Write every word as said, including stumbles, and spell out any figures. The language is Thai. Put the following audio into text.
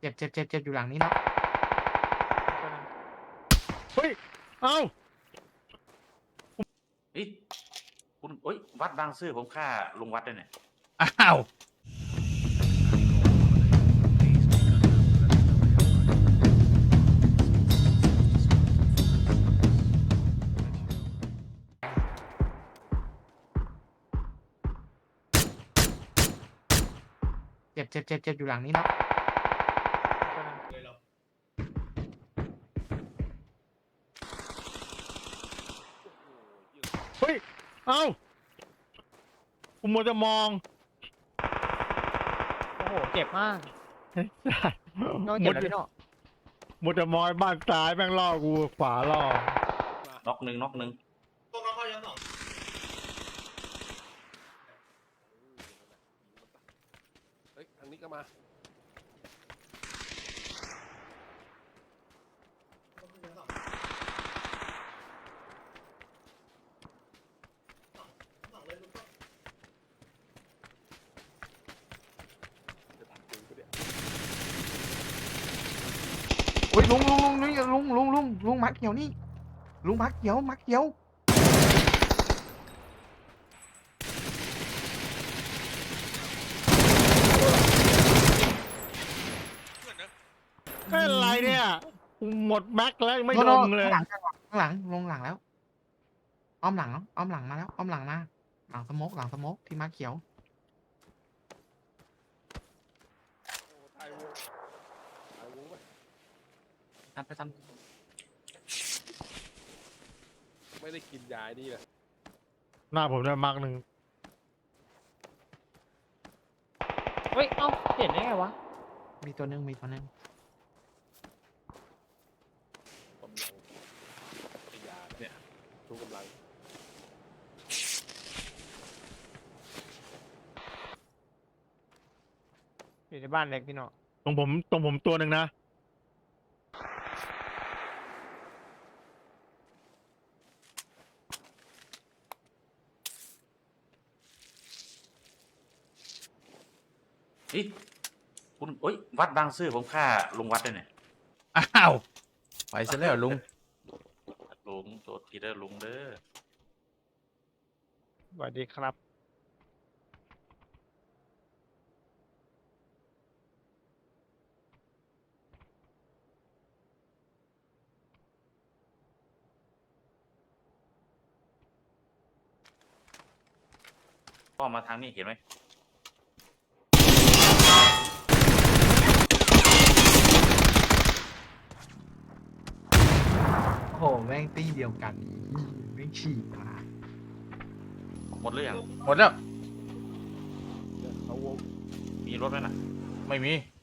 จ็บเจ็บเจ็บเจ็บอยู่หลังนี้เนาะเฮ้ยเอ้าเฮ้ยคุณเอ้ยวัดบางซื่อผมฆ่าลุงวัดด้วยเนี่ยอ้าวเจ็บเจ็บเจ็บเจ็บอยู่หลังนี้เนาะเฮ้ยเอ้าผมมัวจะมองโอ้โหเจ็บมากเฮ้ยน้องเจ็บแล้วพี่น้องมัวจะมองบ้านซ้ายแม่งล่อกูขวาล่อน็อกหนึ่งน็อกหนึ่งพวกเราเข้าชั้นสองเฮ้ยทางนี้ก็มาจะตัดปืนกูเนี่ยโอ้ยลุงลุงลุงนี่ลุงลุงลุงลุงมักเขียวนี่ลุงมักเขียวมักเขียวเป็นไรเนี่ยกูหมดแม็กแล้วยังไม่โน่ลโน่งเลยข้างหลังข้างหลังลงหลังแล้วอ้อมหลังเนาะอ้อมหลังมาแล้วอ้อมหลังมาหลังสโมกหลังสโมกที่มักเขียวโอ้ตายวงตายวงไปทันไปทันไม่ได้กินยานี่เลยหน้าผมได้มาร์กหนึ่งเฮ้ย เอ้าเห็นได้ไงวะมีตัวหนึงมีตัวหนึงกำลังไอ้ยาเนี่ยทุกกำลังอยู่ในบ้านเล็กพี่น้องตรงผมตรงผมตัวหนึ่งนะเฮ้ยคุณเอ้ยวัดบางซื่อผมฆ่าลุงวัดด้วยเนี่ยอ้าวไปซะแล้วลุงลุงโจทย์ทีเด้อลุงเด้อสวัสดีครับพ่อมาทางนี้เห็นไหมโอ้โหแม่งตีเดียวกันแม่งฉีกมาหมดหรือยังหมดแล้วเนี่ยเขาวงมีรถไหมน่ะไม่มี